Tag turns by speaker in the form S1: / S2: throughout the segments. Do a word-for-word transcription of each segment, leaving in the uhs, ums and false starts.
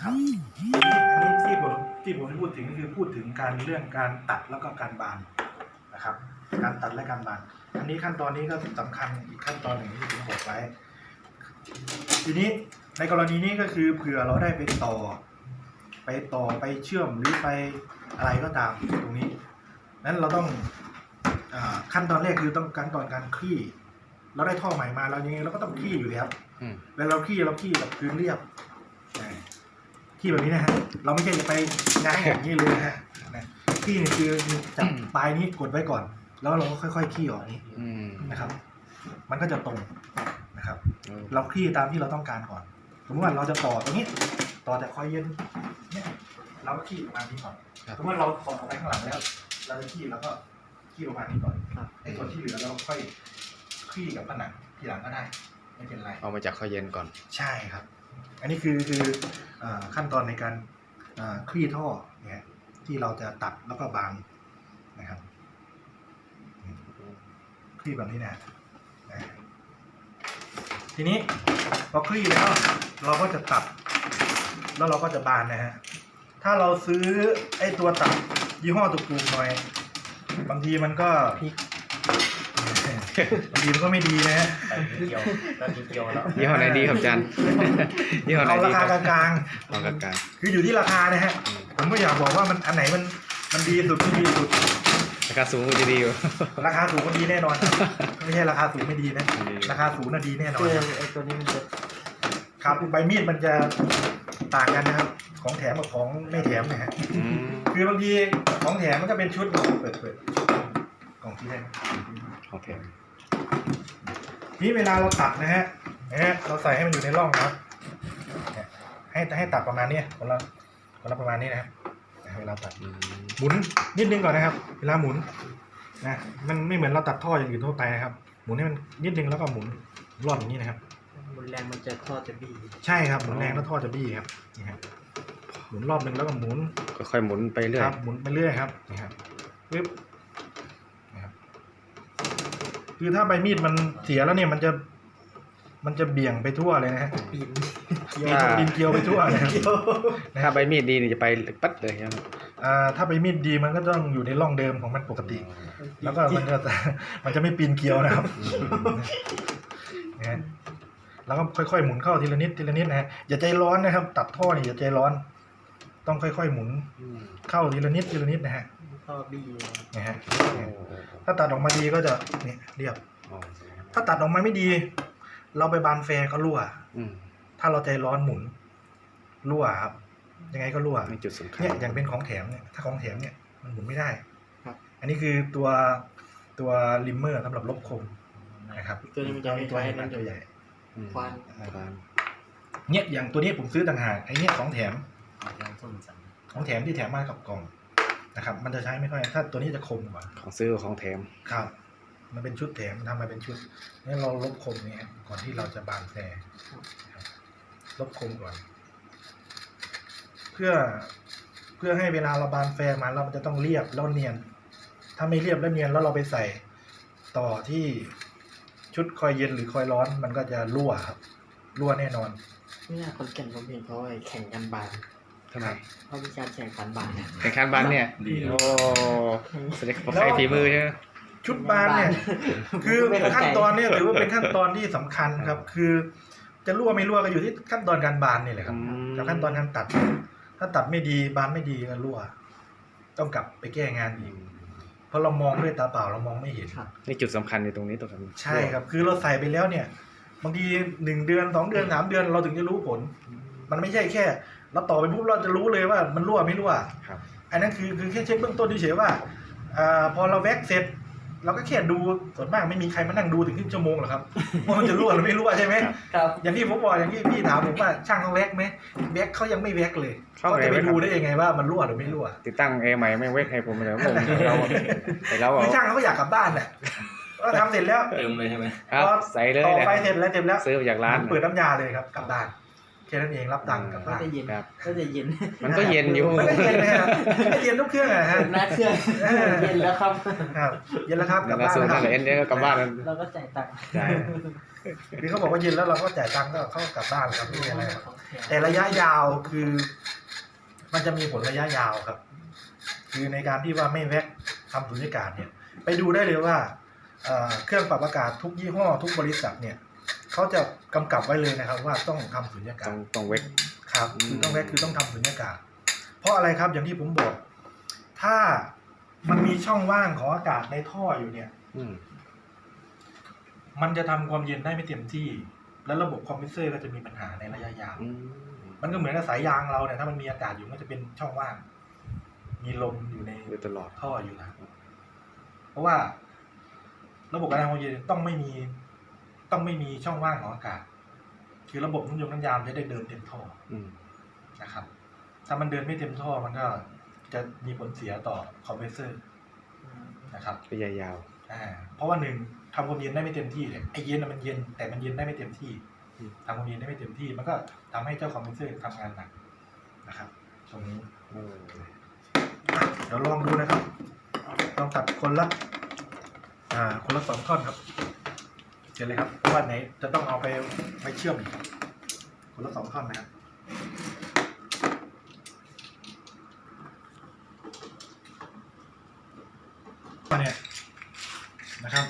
S1: ครับอันนี้ที่ผมที่ผมพูดถึงก็คือพูดถึงการเรื่องการตัดแล้วก็การบานนะครับการตัดและการบานอันนี้ขั้นตอนนี้ก็สำคัญอีกขั้นตอนหนึ่งที่ผมบอกไว้ทีนี้ในกรณีนี้ก็คือเผื่อเราได้ไปต่อไปต่อไปเชื่อมหรือไปอะไรก็ตามตรงนี้นั้นเราต้องขั้นตอนแรกคือต้องการตอนการคลี่เราได้ท่อใหม่มาเรายังไงเราก็ต้องคลี่อยู่แล้วเวลาเราคลี่เราคลี่แบบพื้นเรียบคลี่แบบนี้นะฮะเราไม่ใช่จะไปง้างอย่างนี้เลยนะฮะคลี่นี่คือจับปลายนี้กดไว้ก่อนแล้วเราก็ค่อยๆคลี่ออกนี้นะครับมันก็จะตรงนะครับเราคลี่ตามที่เราต้องการก่อนสมมติว่าเราจะต่อตรงนี้ต่อจากคอยเย็นเนี่ยเราก็คลี่ประมาณนี้ก่อนสมมติว่าเราต่อออกไปข้างหลังแล้วเราจะคลี่แล้วก็คลี่ประมาณนี้ก่อนไอ้ส่วนที่เหลือเราค่อยคลี่กับผนังทีหลังก็ได้ไม่เป็นไร
S2: เอามาจากคอยเย็นก่อน
S1: ใช่ครับอันนี้คือคือขั้นตอนในการคลี่ท่อเนี่ยที่เราจะตัดแล้วก็บางนะครับคลี่แบบนี้นะทีนี้พอคลี่แล้วเราก็จะตัดแล้วเราก็จะบานนะฮะถ้าเราซื้อไอ้ตัวตัดยี่ห้อถูกๆหน่อยบางทีมันก็บางทีมันก็ไม่ดีนะฮะ
S3: เกี่ยวแล้วเกี่ยวแล้ว
S2: ยี่ห้อไหนดีครับอาจารย์ยี่ห้อไหน
S1: ดีเอาราคากลาง
S2: ๆเอากลาง
S1: ๆคืออยู่ที่ราคานะฮะผมก็อยากบอกว่ามันอันไหนมันมันดีสุดไม่ดีสุด
S2: ราคาสูงจะดีอยู่
S1: ราคาสูงก็ดีแน่นอนไม่ใช่ราคาสูงไม่ดีนะราคาสูงน่ะดีแน่นอน
S3: ไอ้ตัวนี้มันจะ
S1: ครับใบมีดมันจะต่างกันนะครับของแถมกับของไม่แถมนะฮะคือบางทีของแถมมันก็เป็นชุดเปิดเปิดกล่องที่แรก
S2: ของแถม
S1: นี่เวลาเราตัดนะฮะนะฮะเราใส่ให้มันอยู่ในร่องนะครับให้ให้ตัดประมาณนี้คนละคนละประมาณนี้นะครับเวลาตัดหมุนนิดนึงก่อนนะครับเวลาหมุนนะมันไม่เหมือนเราตัดท่ออย่างอื่นทั่วไปนะครับหมุนให้มันนิดนึงแล้วก็หมุนรอบอย่างนี้นะครับ
S3: หมุนแรงมันจะท่อจะบี้
S1: ใช่ครับหมุนแรงแล้วท่อจะบี้ครับนี่ครับหมุนรอบนึงแล้วก็หมุน
S2: ค่อยๆหมุนไปเรื่อย
S1: ครับหมุนไปเรื่อยครับนี่ครับปึ๊บนะครับคือถ้าใบมีดมันเสียแล้วเนี่ยมันจะมันจะเบี่ยงไปทั่วเลยนะฮะ
S3: ปีน
S1: เกี่ยวปีนเกี่ยวไปทั่วเลย
S2: ถ้าใบมีดดีนี่จะไปปั๊ดเลยครับ
S1: อ่าถ้าใบมีดดีมันก็ต้องอยู่ในร่องเดิมของมันปกติแล้วก็มันจะมันจะไม่ปีนเกี่ยวนะครับนะแล้วก็ค่อยๆหมุนเข้าทีละนิดทีละนิดนะฮะอย่าใจร้อนนะครับตัดท่อนี่อย่าใจร้อนต้องค่อยๆหมุนเข้าทีละนิดทีละนิดนะฮะ
S3: ท่อบี้
S1: นะฮะถ้าตัดออกมาดีก็จะเนี่ยเรียบถ้าตัดออกมาไม่ดีเราไปบานแฟร์ก็รั่วถ้าเราใจร้อนหมุนรั่วครับยังไงก็รั่ว
S2: มีจุดสำคัญ
S1: เนี่ยอย่างเป็นของแถมเนี่ยถ้าของแถมเนี่ยมันหมุนไม่ได้อันนี้คือตัวตัวลิมเมอร์สำหรับลบคมนะครับ
S3: ตัวนี้มันจะ
S1: ตัวใหญ่ตัวใหญ่
S3: ควัน
S1: เนี่ยอย่างตัวนี้ผมซื้อต่างหากไอ้เนี่ยของแถมของแถมที่แถมมากับกล่องนะครับมันจะใช้ไม่ค่อยถ้าตัวนี้จะคมกว่า
S2: ของซื้อของแถม
S1: ครับมันเป็นชุดแถมทำมาเป็นชุดนี่เราลบคมเนี่ยก่อนที่เราจะบานแฟร์ลบคมก่อนเพื่อเพื่อให้เวลาเราบานแฟร์มาเรามันจะต้องเรียบแล้วเนียนถ้าไม่เรียบแล้วเนียนแล้วเราไปใส่ต่อที่ชุดคอยเย็นหรือคอยร้อนมันก็จะรั่วครับรั่วแน่นอน
S3: ไม่น่าคนแข่งผมเห็นเขาแข่งกันบาน
S2: ทำไม
S3: เขามีการแข่งขันบาน
S2: แข่งขันบานเนี่ยโอ้แสดงว่าใครฝีมือใช่ไหม
S1: ชุดบานเนี่ยคือขั้นตอนเนี่ยถือว่าเป็นขั้นตอนที่สำคัญครับคือจะรั่วไม่รั่วก็อยู่ที่ขั้นตอนการบานนี่แหละครับกับขั้นตอนการตัดถ้าตัดไม่ดีบานไม่ดีก็รั่วต้องกลับไปแก้งานอีกเพราะเรามองด้วยตาเปล่าเรามองไม่เห็น
S2: นี่จุดสำคัญในตรงนี้ตรงนี้
S1: ใช่ครับคือเราใส่ไปแล้วเนี่ยบางทีหนึ่งเดือนสองเดือนสามเดือนเราถึงจะรู้ผลมันไม่ใช่แค่เราต่อไปปุ๊บเราจะรู้เลยว่ามันรั่วไม่รั่วอันนั้นคือคือแค่เช็คเบื้องต้นเฉยๆว่าพอเราแว็กเสร็จเราก็แค่ดูส่วนมากไม่มีใครมานั่งดูถึงครึ่งชั่วโมงหรอกครับว่ามันจะรั่วหรือไม่รั่วใช่ไหมครับอย่างที่ผมบอกอย่างที่พี่ถามผมว่าช่างเขาแว็กไหมแว็กเขายังไม่แว็กเลยเขาจะไปดูได้ยังไงว่ามันรั่วหรือไม่รั่ว
S2: ติดตั้งเอใหม่ไม่แว็กให้ผมเลยผมเราแต่เรา
S1: คือช่างเขาอยากกลับบ้านแหละก็ทำเสร็จแล้ว
S3: เติมเลยใช่ไหม
S2: ครับใส่เลย
S1: ต่อไฟเสร็จแล้วเต็มแล้ว
S2: ซื้อจากร้าน
S1: เปิดน้ำยาเลยครับกลับบ้านแค่นั้นเองรับตังค์กลับ
S3: ก็
S1: บ้าน
S3: จะเย็น
S2: ครับ
S3: ก็จะเย็น
S2: มันก็เย็นอยู่
S1: มันก็เย็นนะฮะไม่เย็นทุกเครื่องอะฮะ
S3: หน้าเครื่องเย็นแล้วครับ
S1: ครับเย็นแล้วครับกลับ
S2: แล้ว
S1: บ้าน
S2: สูง
S1: แล้วค
S2: ทา
S1: รับ
S2: งเอ็นเนี่ยก็กลับบ้านแล้ว
S3: เราก็จ่ายตังค์
S2: ใช่
S1: คือเขาบอกว่าเย็นแล้วเราก็จ่ายตังค์ก็เขาก็กลับบ้านครับไม่มีอะไรครับ
S3: ของแถม
S1: แต่ระยะยาวคือ มันจะมีผลระยะยาวครับ คือในการที่ว่าไม่แวะทำสุญญากาศเนี่ย ไปดูได้เลยว่าเอ่อเครื่องปรับอากาศทุกยี่ห้อทุกบริษัทเนี่ยเขาจะกำกับไว้เลยนะครับ ว่าต้องทำสุญญากา
S2: ต้อ
S1: ศ
S2: งต้องเวก
S1: ครับ
S2: อืม
S1: คือต้องแวะคือต้องทำสุญญากาศ เพราะอะไรครับอย่างที่ผมบอก ถ้ามันมีช่องว่างของอากาศในท่ออยู่เนี่ย
S2: อืม
S1: มันจะทำความเย็นได้ไม่เต็มที่ แล้วระบบคอมเพรสเซอร์ก็จะมีปัญหาในระยะยาว
S2: อืม
S1: มันก็เหมือนกับสายยางเราเนี่ยถ้ามันมีอากาศอยู่มันจะเป็นช่องว่าง มีลมอยู่ใน
S2: อยู่ตลอด
S1: ท่ออยู่นะเพราะว่า ระบบการทำความเย็นต้องไม่มี ต้องไม่มีช่องว่างของอากาศ คือระบบน้ำยงน้ำยามจะได้เดินเต็มท่อ
S2: อืม
S1: นะครับ ถ้ามันเดินไม่เต็มท่อมันก็จะมีผลเสียต่อคอมเพรสเซอร์นะครับ
S2: ระยะยาว
S1: อ่าเพราะว่าหนึ่งทำความเย็นได้ไม่เต็มที่เนี่ยไอเย็นน่ะมันเย็นแต่มันเย็นได้ไม่เต็มที่
S2: อืม
S1: ทำความเย็นได้ไม่เต็มที่ มันก็ทำให้เจ้าคอมเพรสเซอร์ทำงานหนักนะครับตรงนี้
S2: โอ้
S1: อ่ะเดี๋ยวลองดูนะครับลองตัดคนละอ่าคนละสองท่อนครับเจอเลยครับเพราะว่าไหนจะต้องเอาไปไปเชื่อมอีกคนละสองท่อนนะครับเนี่ยนะครับ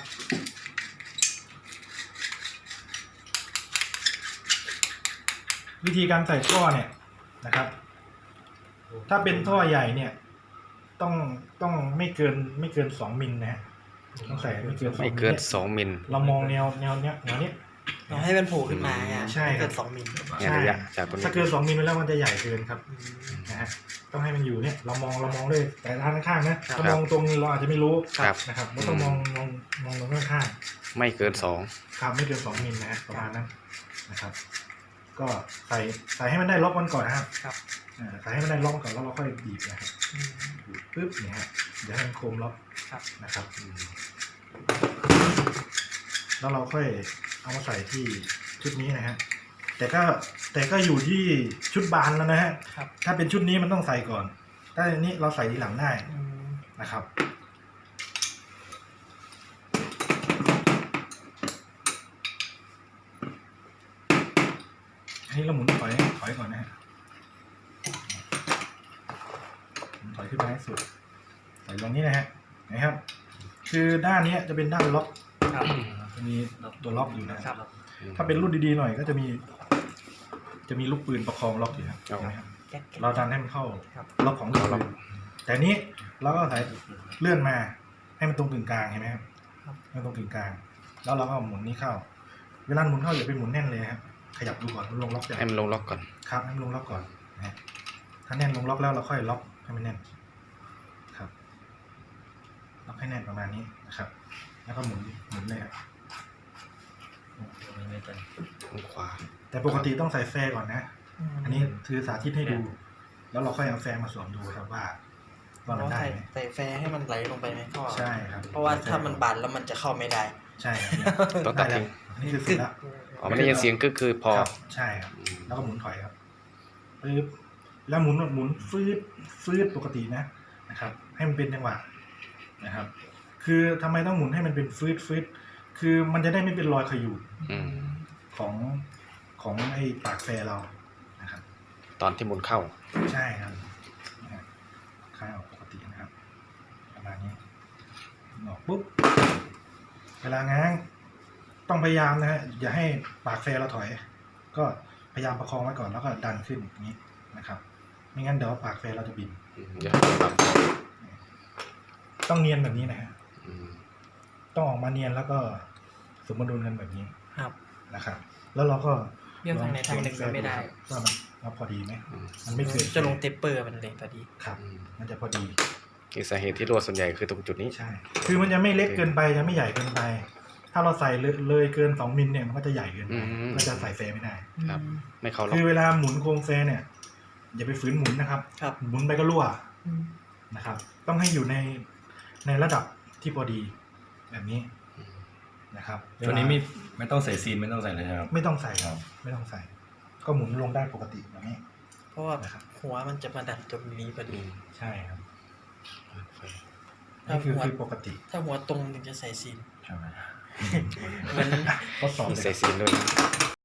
S1: วิธีการใส่ท่อเนี่ยนะครับ ถ้าเป็นท่อใหญ่เนี่ย ต้องต้องไม่เกินไม่เกินสองมิลนะฮะต้องใส่ไม่เกินสอง
S2: ไม่
S1: มิล
S2: เกิน
S1: เนี่ย
S2: สองมิล
S1: เรามองแนวแนวเนี้ยแนวเนี้ย
S3: เราให้มันโผล่ขึ้นมาอ่ะ
S1: ใช่ครับ
S3: เกินสองมิล
S2: เนี่ยระยะจากตรงนี้
S1: ถ้าเกินสองมิลไปแล้วมันจะใหญ่เกินครับ
S3: อืม
S1: นะฮะต้องให้มันอยู่เนี่ยเรามองเรามองด้วยแต่ด้านข้างๆนะ
S3: ครับ
S1: ถ้ามองตรงเราอาจจะไม่รู้
S2: ครับ
S1: นะครับเราต้องมองมองมองตรงข้างๆ
S2: ไม่เกินสอง
S1: ครับไม่เกินสองมิลนะฮะประมาณนั้นนะครับ ก็ใส่ใส่ให้มันได้ล็อกมันก่อนนะครับ
S3: ครับ
S1: อ่าใส่ให้มันได้ล็อกก่อนแล้วเราค่อยบีบนะครับ
S3: อืม
S1: บีบปึ๊บเนี่ยฮะเดี๋ยวให้มันโคมล็อก
S3: ครับ
S1: นะครับอืมแล้วเราค่อยเอามาใส่ที่ชุดนี้นะฮะแต่ก็แต่ก็อยู่ที่ชุดบานแล้วนะฮะ
S3: ครับ
S1: ถ้าเป็นชุดนี้มันต้องใส่ก่อนถ้าอันนี้เราใส่ทีหลังได้
S3: อืม
S1: นะครับอันนี้เราหมุนถอยถอยก่อนนะฮะหมุนถอยขึ้นมาให้สุดใส่ตรงนี้นะฮะนะครับ คือด้านนี้จะเป็นด้านล็อก
S3: ครับ
S1: จะมีตัวล็อกอยู่นะค
S3: ครั
S1: รับ
S3: บ
S1: ถ้าเป็นรุ่นดีๆหน่อยก็จะมี จะมีลูกปืนประคองล็อกอยู่ครับเห็นไหมครับ
S3: แก๊กๆ
S1: เราดันให้มันเข้า
S3: ครับ
S1: ล็อกของลูกปืนแต่นี้เราก็ใส่เลื่อนมาให้มันตรงกึ่งกลางเห็นไหมครับ
S3: ครับ
S1: ให้มันตรงกึ่งกลาง แล้วเราก็หมุนนี้เข้า เวลาหมุนเข้าอย่าไปหมุนแน่นเลยครับขยับดูก่อนมันลงล็อกอย่าง
S2: ให้มันลงล็อกก่อน
S1: ครับให้มันลงล็อกก่อนนะฮะถ้าแน่นลงล็อกแล้วเราค่อยล็อกให้มันแน่นครับล็อกให้แน่นประมาณนี้นะครับ แล้วก็หมุนหมุนเลยครับ
S2: ทางขวา
S1: แต่ปกติต้องใส่แฟร์ก่อนนะ
S3: ม
S1: อันนี้คือสาธิตให้ดู แล้วเราค่อยเอาแฟร์มาสวมดูครับว่าว่ามันได้
S3: ใส่
S1: ไหม
S3: ใส่แฟร์ให้มันไหลลงไปในท่อ
S1: ใช่ครับ
S3: เพราะว่าถ้ามันบานแล้วมันจะเข้าไม่ได้
S1: ใช่ครับ
S2: ต้องตัด
S1: ได้
S2: ทิ้ง
S1: แล้วอันนี้คือสุดแล้ว
S2: อ๋อมันได้ยินเสียงก็คือพอ
S1: ครับใช่ครับ
S2: อืม
S1: แล้วก็หมุนถอยครับปึ๊บแล้วหมุนหมุนฟืดฟืดปกตินะนะครับ ให้มันเป็นจังหวะนะครับ คือทำไมต้องหมุนให้มันเป็นฟืดฟืดคือมันจะได้ไม่เป็นรอยขยูด
S2: อืม
S1: ของของไอ้ปากแฟร์เรานะครับ
S2: ตอนที่หมุนเข้า
S1: ใช่ครับนะฮะคลายออกปกตินะครับประมาณนี้ออกปุ๊บเวลาง้างต้องพยายามนะฮะอย่าให้ปากแฟร์เราถอย ก็พยายามประคองไว้ก่อนแล้วก็ดันขึ้นอย่างนี้นะครับ ไม่งั้นเดี๋ยวปากแฟร์เราจะบิน
S2: อืมเดี๋ยวให้ปรับ
S1: ต้องเนียนแบบนี้นะฮะ
S2: อืม
S1: ต้องออกมาเนียนแล้วก็สมดุลกันแบบนี้
S3: ครับ
S1: นะครับ แล้วเราก็
S3: เลี่ยงทางไหนทางหนึ่งมันไม่ได้
S1: ว่ามันว่าพอดีไหม
S2: อืม
S1: มันไม่เกิน
S3: จะลงเทปเปอร์มันเลยพอดี
S1: ครับ
S2: อืม
S1: มันจะพอดี
S2: คือสาเหตุที่รั่วส่วนใหญ่คือตรงจุดนี้
S1: ใช่ คือมันจะไม่เล็กเกินไปจะไม่ใหญ่เกินไป ถ้าเราใส่เลยเลยเกินสองมิลเนี่ยมันก็จะใหญ่เกินไป
S2: อืม
S1: ก็จะใส่แฟร์ไม่ได้
S2: ครับ ไม่เข้าล็อ
S1: คื
S2: ก
S1: อเวลาหมุนโครงแฟร์เนี่ย อย่าไปฝืนหมุนนะครับ
S3: ครับ
S1: หมุนไปก็รั่ว
S3: อืม
S1: นะครับ ต้องให้อยู่ในในระดับที่พอดีแบบนี้นะครับ
S4: ตัวนี้ไม่ไม่ต้องใส่ซีนไม่ต้องใส่เลยครับ
S1: ไม่ต้องใส่ครับ ไม่ต้องใส่ ก็ก็หมุนลงได้ปกติแบบนี้
S3: เพราะว่าหัวมันจะมาดันตรงนี้พอดี
S1: ใช่ครับนี่คือคือปกติ
S3: ถ้าหัวตรงถึงจะใส่ซีน
S1: ใช่ไหม
S3: เหมือน
S1: ทดสอบ
S2: มี
S1: เลย
S2: ใส่ซีนด้วย